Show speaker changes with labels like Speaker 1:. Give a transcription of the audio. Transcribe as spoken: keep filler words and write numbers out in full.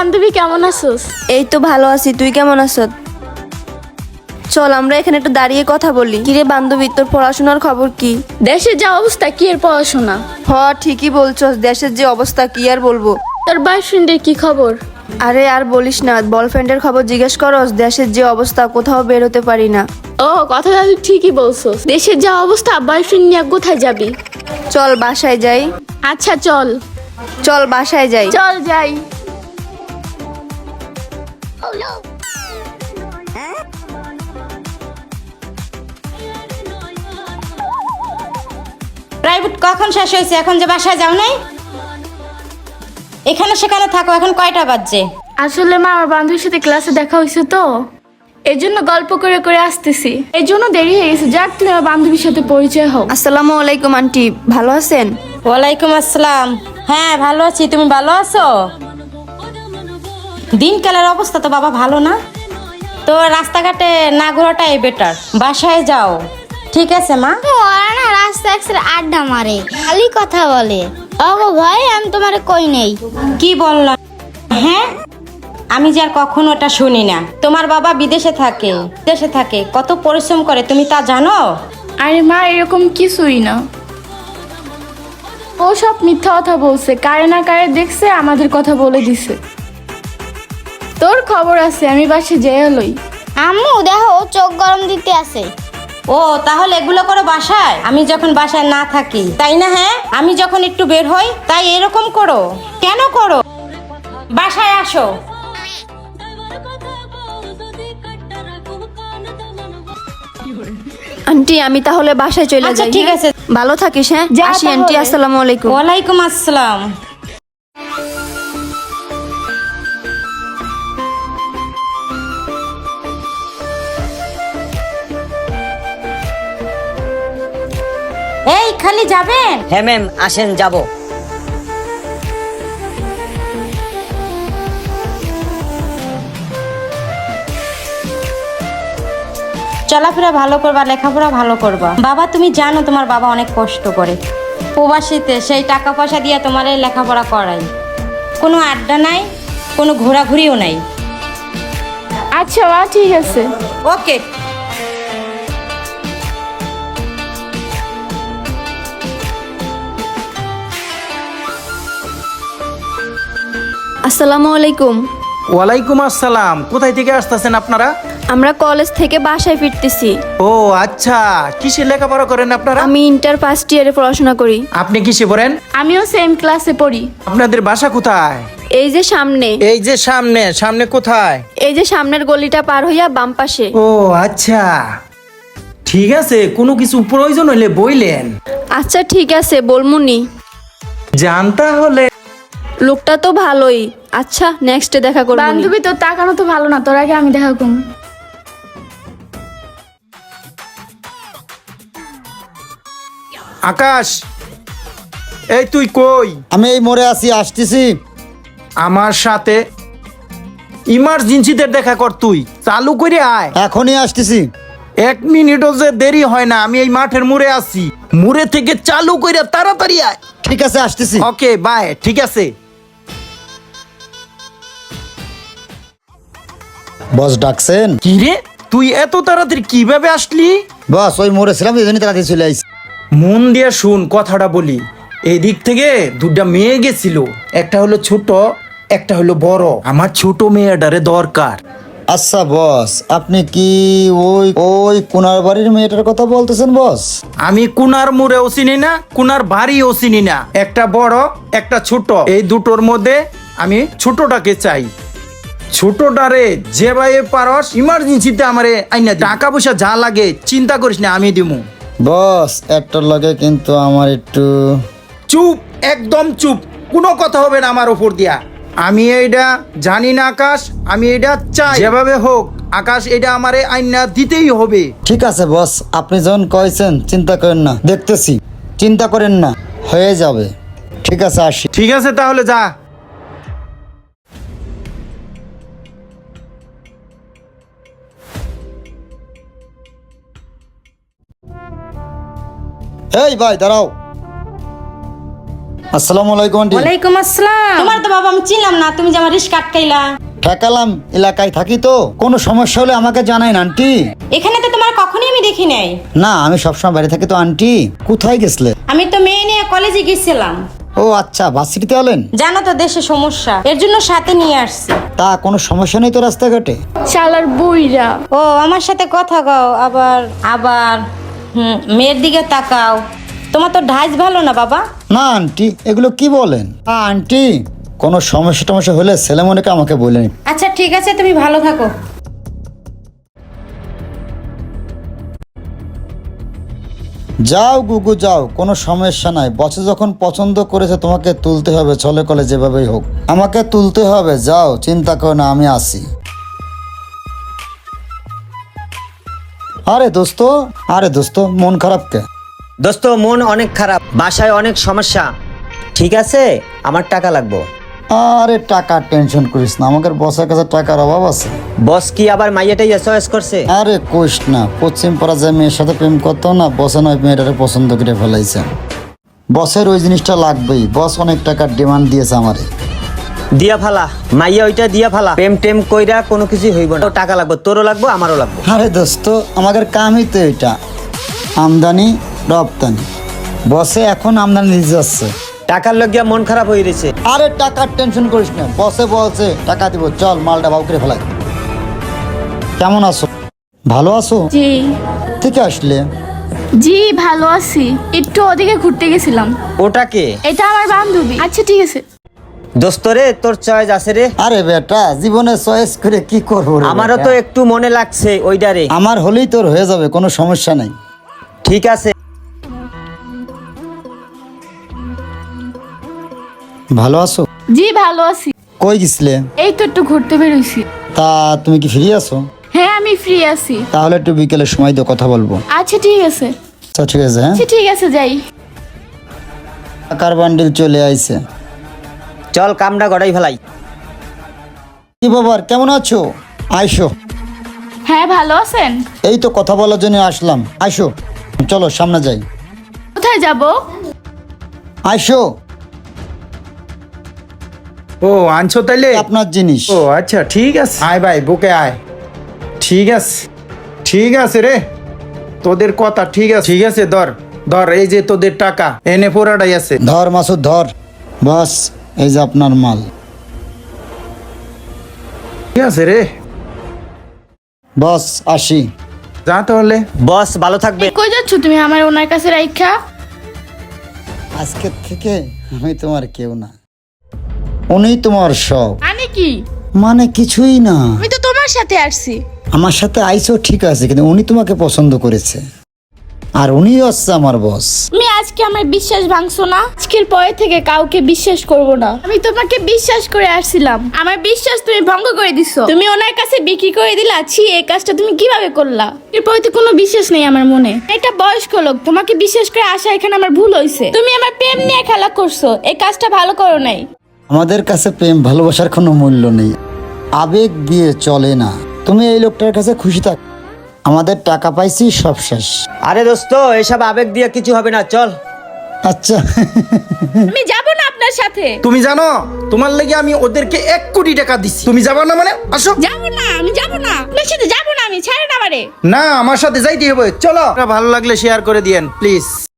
Speaker 1: বান্ধবী কেমন আছিস?
Speaker 2: এই তো ভালো আছি, তুই কেমন আছিস? চল আমরা এখানে একটু দাঁড়িয়ে কথা বলি। কিরে বান্ধবী, তোর পড়াশোনার খবর কি?
Speaker 1: দেশের যা অবস্থা, কি এর পড়াশোনা?
Speaker 2: হ ঠিকই বলছস, দেশের যে অবস্থা কি আর বলবো।
Speaker 1: তোর বয়ফ্রেন্ডের কি খবর?
Speaker 2: আরে আর বলিস না, বয়ফ্রেন্ডের খবর জিজ্ঞেস করস। দেশের যে অবস্থা, কোথাও বের হতে পারি না।
Speaker 1: ও কথা তুই ঠিকই বলছস, দেশের যা অবস্থা বয়ফ্রেন্ড নিয়ে কোথায় যাবি?
Speaker 2: চল বাসায় যাই।
Speaker 1: আচ্ছা চল।
Speaker 2: চল বাসায় যাই।
Speaker 1: চল যাই।
Speaker 3: প্রাইভেট কখন শেষ হয়েছে? এখন যে বাসায় যাও নাই? এখানে সেখানে থাকো, এখন কয়টা বাজছে?
Speaker 1: আসলে মা, আমার বান্ধবীর সাথে ক্লাসে দেখা হয়েছে তো, এই জন্য গল্প করে করে আসতেছি, এই জন্য দেরি হয়ে গেছে। যাক, তুমি আমার বান্ধবীর সাথে পরিচয় হও।
Speaker 2: আসসালামু আলাইকুম আন্টি, ভালো আছেন?
Speaker 3: ওয়ালাইকুম আসসালাম। হ্যাঁ ভালো আছি, তুমি ভালো আছো? দিনকালের অবস্থা তো বাবা ভালো না, তো রাস্তাঘাটে না ঘোরাটাই বেটার, বাসায় যাও। ঠিক আছে মা।
Speaker 4: ওরা না রাস্তা একসাথে আড্ডা মারে, খালি কথা বলে। ওগো ভাই, আমি তোমারে কই নেই।
Speaker 3: কি বললাম? হ্যাঁ, আমি যে আর কখনো ওটা শুনি না। তোমার বাবা বিদেশে থাকে, বিদেশে থাকে, কত পরিশ্রম করে তুমি তা জানো?
Speaker 1: আরে মা, এরকম কিছুই না, ও সব মিথ্যা কথা বলছে। কারে না কারে দেখছে, আমাদের কথা বলে দিছে। তোর খবর আছে, আমি বাসে যেয়ে লই।
Speaker 4: আম্মু দেখো, ও চোখ গরম দিতে আছে।
Speaker 3: ও তাহলে এগুলো করো বাসায়, আমি যখন বাসায় না থাকি, তাই না? হ্যাঁ, আমি যখন একটু বের হই তাই এরকম করো। কেন করো? বাসায় আসো।
Speaker 2: আন্টি আমি তাহলে বাসায় চলে
Speaker 3: আচ্ছা
Speaker 2: যাই।
Speaker 3: ঠিক
Speaker 2: হ্যাঁ?
Speaker 3: আছে।
Speaker 2: ভালো থাকিস। হ্যাঁ
Speaker 1: যা
Speaker 2: আসি আন্টি,
Speaker 1: তাহলে।
Speaker 2: আসসালামু আলাইকুম।
Speaker 3: ওয়ালাইকুম আসসালাম। এই খালি যাবেন?
Speaker 5: হ্যাঁ ম্যাম, আসেন যাব।
Speaker 3: চলাফেরা ভালো করবা, লেখাপড়া ভালো করবা। বাবা তুমি জানো তোমার বাবা অনেক কষ্ট করে প্রবাসীতে, সেই টাকা পয়সা দিয়ে তোমার এই লেখাপড়া করাই। কোনো আড্ডা নাই, কোনো ঘোরাঘুরিও নাই।
Speaker 1: আচ্ছা মা, ঠিক আছে।
Speaker 3: ওকে।
Speaker 2: আসসালামু আলাইকুম।
Speaker 6: ওয়ালাইকুম আসসালাম। কোথায় থেকে আসতেছেন আপনারা?
Speaker 2: আমরা কলেজ থেকে বাসায় ফিরতেছি।
Speaker 6: ও আচ্ছা, কিসে লেখাপড়া করেন আপনারা?
Speaker 2: আমি ইন্টার ফার্স্ট ইয়ারে পড়াশোনা করি।
Speaker 6: আপনি কিসে পড়েন?
Speaker 1: আমিও সেম ক্লাসে পড়ি।
Speaker 6: আপনাদের বাসা কোথায়?
Speaker 2: এই যে সামনে।
Speaker 6: এই যে সামনে। সামনে কোথায়?
Speaker 2: এই যে সামনের গলিটা পার হইয়া বাম পাশে।
Speaker 6: ও আচ্ছা, ঠিক আছে। কোনো কিছু প্রয়োজন হলে বইলেন।
Speaker 2: আচ্ছা ঠিক আছে, বলমুনি।
Speaker 6: জান তাহলে।
Speaker 2: লোকটা তো ভালোই। আচ্ছা নেক্সটে দেখা করব।
Speaker 1: বান্ধবী, তোর তাকানো তো ভালো না, তোর আগে আমি দেখা করব।
Speaker 6: আকাশ, এই তুই কই?
Speaker 7: আমি এই মোড়ে আছি, আসতেছি।
Speaker 6: আমার সাথে ইমার্জেন্সিতে দেখা কর। তুই চালু করে আয়,
Speaker 7: এখনই আসতেছি।
Speaker 6: এক মিনিটও যে দেরি হয় না। আমি এই মাঠের মুড়ে আছি, মুড়ে থেকে চালু করে তাড়াতাড়ি আয়।
Speaker 7: ঠিক আছে, আসতেছি।
Speaker 6: Okay bye. ঠিক আছে।
Speaker 7: বস ডাকছেন?
Speaker 6: কি রে, তুই এত তাড়াতাড়ি কিভাবে আসলি?
Speaker 7: বস ওই মোড়ে ছিলাম, এই জন্য তাড়াতাড়ি চলে আইছি।
Speaker 6: মন দিয়ে শুন, কথাটা বলি। এই দিক থেকে দুটা মেয়ে গেছিল, একটা হলো ছোট, একটা হলো বড়। আমার ছোট মেয়েটারে দরকার।
Speaker 7: আচ্ছা বস, আপনি কি ওই ওই কোনার বাড়ির মেয়েটার কথা বলতেছেন বস?
Speaker 6: আমি কুনার মুড়েও চিনি না, কুনার বাড়িও চিনি না। একটা বড়, একটা ছোট, এই দুটোর মধ্যে আমি ছোটটাকে চাই। ছোটটারে যেভাবে পারস ইমার্জেন্সিতে আমারে আইনা দে। টাকা পয়সা যা লাগে চিন্তা করিস না, আমি দিমু।
Speaker 7: বস একটার লাগে কিন্তু আমার একটু।
Speaker 6: চুপ, একদম চুপ, কোনো কথা হবে না আমার উপর দিয়া। আমি এইটা জানি না আকাশ, আমি এটা চাই। যেভাবে হোক আকাশ, এটা আমারে আইনা দিতেই হবে।
Speaker 7: ঠিক আছে বস, আপনি যখন কয়েছেন চিন্তা করেন না, দেখতেছি। চিন্তা করেন না, হয়ে যাবে। ঠিক আছে, আসি।
Speaker 6: ঠিক আছে তাহলে যা।
Speaker 7: এই ভাই দাঁড়াও। আসসালামু আলাইকুম আন্টি।
Speaker 3: ওয়ালাইকুম আসসালাম। তোমার তো বাবা আমি চিনলাম না, তুমি যে আমার রিস্ক আটকাইলা।
Speaker 7: ঠেকালাম, এলাকায় থাকি তো, কোনো সমস্যা হলে আমাকে জানাইন আন্টি।
Speaker 3: এখানে তো তোমার কখনোই আমি দেখি নাই।
Speaker 7: না, আমি সবসময় বাইরে থাকি তো আন্টি। কোথায় গেছলে?
Speaker 3: আমি তো মেয়ে নিয়ে কলেজে গেছিলাম।
Speaker 7: ও আচ্ছা, ভার্সিটিতে এলেন?
Speaker 3: জানো তো দেশে সমস্যা, এর জন্য সাথে নিয়ে আসছি।
Speaker 7: তা কোনো সমস্যা নেই তো রাস্তাঘাটে?
Speaker 1: শালার বুইরা।
Speaker 3: ও আমার সাথে কথা কও, আবার আবার হুম মেয়ের দিকে তাকাও। তোমার তো ঢাইস ভালো না বাবা।
Speaker 7: না আন্টি, এগুলো কি বলেন? আ, আন্টি কোনো সমস্যা টমস্যা হলে ছেলেমনেকে আমাকে বলেন।
Speaker 3: আচ্ছা ঠিক আছে, তুমি ভালো থাকো।
Speaker 7: যাও গুগু যাও, কোনো সমস্যা নাই। বসে যখন পছন্দ করেছে তোমাকে তুলতে হবে, চলে কলে যেভাবেই হোক আমাকে তুলতে হবে। যাও, চিন্তা করো না, আমি আসি। আরে দোস্ত, আরে দোস্ত, মন খারাপ কে?
Speaker 5: দোস্ত মন অনেক খারাপ, বাসায় অনেক সমস্যা। ঠিক আছে, আমার টাকা লাগবে।
Speaker 7: আরে টাকা টেনশন করিস না, আমাদের বসের কাছে টাকার অভাব আছে।
Speaker 5: বস কি আবার মাইয়াটাই চয়েস করছে?
Speaker 7: আরে কোষ না, পশ্চিম পাড়া যায় মেয়ের সাথে প্রেম করতো না, বসে নয় মেয়েটারে পছন্দ করে ফেলাইছে। বসের ওই জিনিসটা লাগবেই, বস অনেক টাকার ডিমান্ড দিয়েছে আমারে।
Speaker 5: দিয়া ফালা মাইয়া, ওইটা দিয়া ফালা। প্রেম টেম কইরা কোনো কিছু হইব না। টাকা লাগবে, তোরও লাগবে আমারও লাগবে।
Speaker 7: আরে দোস্ত, আমাদের কামই তো এটা, আমদানি রপ্তানি। বসে এখন আমদানি দিতে যাচ্ছে।
Speaker 5: টাকার লগিয়া মন খারাপ হয়ে গেছে।
Speaker 7: আরে টাকার টেনশন করিস না, বসে বলছে টাকা দিব, চল মালটা বাউ করে ফেলাই। কেমন আছো? ভালো আছো?
Speaker 1: জি
Speaker 7: থেকে আসলে?
Speaker 1: জি ভালো আছি, একটু ওদিকে ঘুরতে গেছিলাম।
Speaker 5: ওটাকে
Speaker 1: এটা আমার বান্ধবী। আচ্ছা ঠিক আছে।
Speaker 5: দোস্ত রে, তোর চয়েস আছে রে।
Speaker 7: আরে বেটা, জীবনে চয়েস করে কি করবো রে
Speaker 5: আমারও
Speaker 7: বেটা?
Speaker 5: তো একটু মনে লাগছে ওইটা রে।
Speaker 7: আমার হলেই তোর হয়ে যাবে, কোনো সমস্যা নাই।
Speaker 5: ঠিক আছে।
Speaker 7: ভালো আছো?
Speaker 1: জি ভালো আছি।
Speaker 7: কই গেছিলে?
Speaker 1: এই তো একটু ঘুরতে বেরোইছি।
Speaker 7: তা তুমি কি ফ্রি আছো?
Speaker 1: হ্যাঁ আমি ফ্রি আছি।
Speaker 7: তাহলে একটু বিকেলে সময় দিয়ে কথা বলবো।
Speaker 1: আচ্ছা ঠিক আছে।
Speaker 7: আচ্ছা ঠিক আছে, হ্যাঁ।
Speaker 1: আচ্ছা ঠিক আছে, যাই।
Speaker 7: টাকার বান্ডিল চলে আইছে।
Speaker 5: চল কামটা গড়াই ফেলাই।
Speaker 7: কি বাবার, কেমন আছো? আইসো।
Speaker 1: হ্যাঁ ভালো আছেন?
Speaker 7: এই তো কথা বলার জন্য আসলাম, আইসো। চলো সামনে যাই।
Speaker 1: কোথায় যাব?
Speaker 7: আইসো,
Speaker 6: ও আনছো তাইলে?
Speaker 7: আপনার জিনিস।
Speaker 6: ও আচ্ছা ঠিক আছে, আয় ভাই বুকে আয়। ঠিক আছে, ঠিক আছে রে, তোদের কথা ঠিক আছে। ঠিক আছে, ধর ধর, এই যে তোদের টাকা, এনে পোড়াটাই আছে।
Speaker 7: ধর মাসুদ ধর। বাস, এই যে আপনার মাল।
Speaker 6: ঠিক আছে রে,
Speaker 7: বস আসি।
Speaker 6: যা তাহলে।
Speaker 5: বস ভালো থাকবে।
Speaker 1: কই যাচ্ছ তুমি আমার ওনার কাছে রাইখা?
Speaker 7: আজকে থেকে আমি তোমার কেউ না, উনি তোমার সব।
Speaker 1: মানে কি?
Speaker 7: মানে কিছুই না।
Speaker 1: আমি তো তোমার সাথে আসছি।
Speaker 7: আমার সাথে আইসো ঠিক আছে, কিন্তু উনি তোমাকে পছন্দ করেছে, আর উনি হচ্ছে আমার বস।
Speaker 1: তুমি আজকে আমার বিশ্বাস ভাঙছো না? আজকের পরে থেকে কাউকে বিশ্বাস করব না। আমি তোমাকে বিশ্বাস করে আসছিলাম, আমার বিশ্বাস তুমি ভঙ্গ করে দিছো। তুমি ওনার কাছে বিক্রি করে দিলা। ছি, এই কাজটা তুমি কিভাবে করলা? এরপরে তো কোনো বিশ্বাস নেই আমার মনে। এটা বয়স্ক লোক, তোমাকে বিশ্বাস করে আসা এখানে আমার ভুল হয়েছে। তুমি আমার প্রেম নিয়ে খেলা করছো, এই কাজটা ভালো করো নাই।
Speaker 7: আমাদের কাছে প্রেম ভালোবাসার কোনো মূল্য নেই, আবেগ দিয়ে চলে না। তুমি এই লোকটার কাছে খুশি থাক, আমাদের টাকা পাইছি, সব শেষ।
Speaker 5: আরে দোস্ত, এসব আবেগ দিয়ে কিছু হবে না, চল।
Speaker 7: আচ্ছা
Speaker 1: আমি যাব না আপনার সাথে।
Speaker 6: তুমি জানো তোমার লেগে আমি ওদেরকে এক কোটি টাকা দিচ্ছি, তুমি যাবা না মানে? আসো।
Speaker 1: যাব না, আমি যাব না আপনার সাথে, যাব না আমি। ছাড়েন আমারে।
Speaker 6: না, আমার সাথে যাইতে হবে, চলো। ভালো লাগলে শেয়ার করে দিয়েন প্লিজ।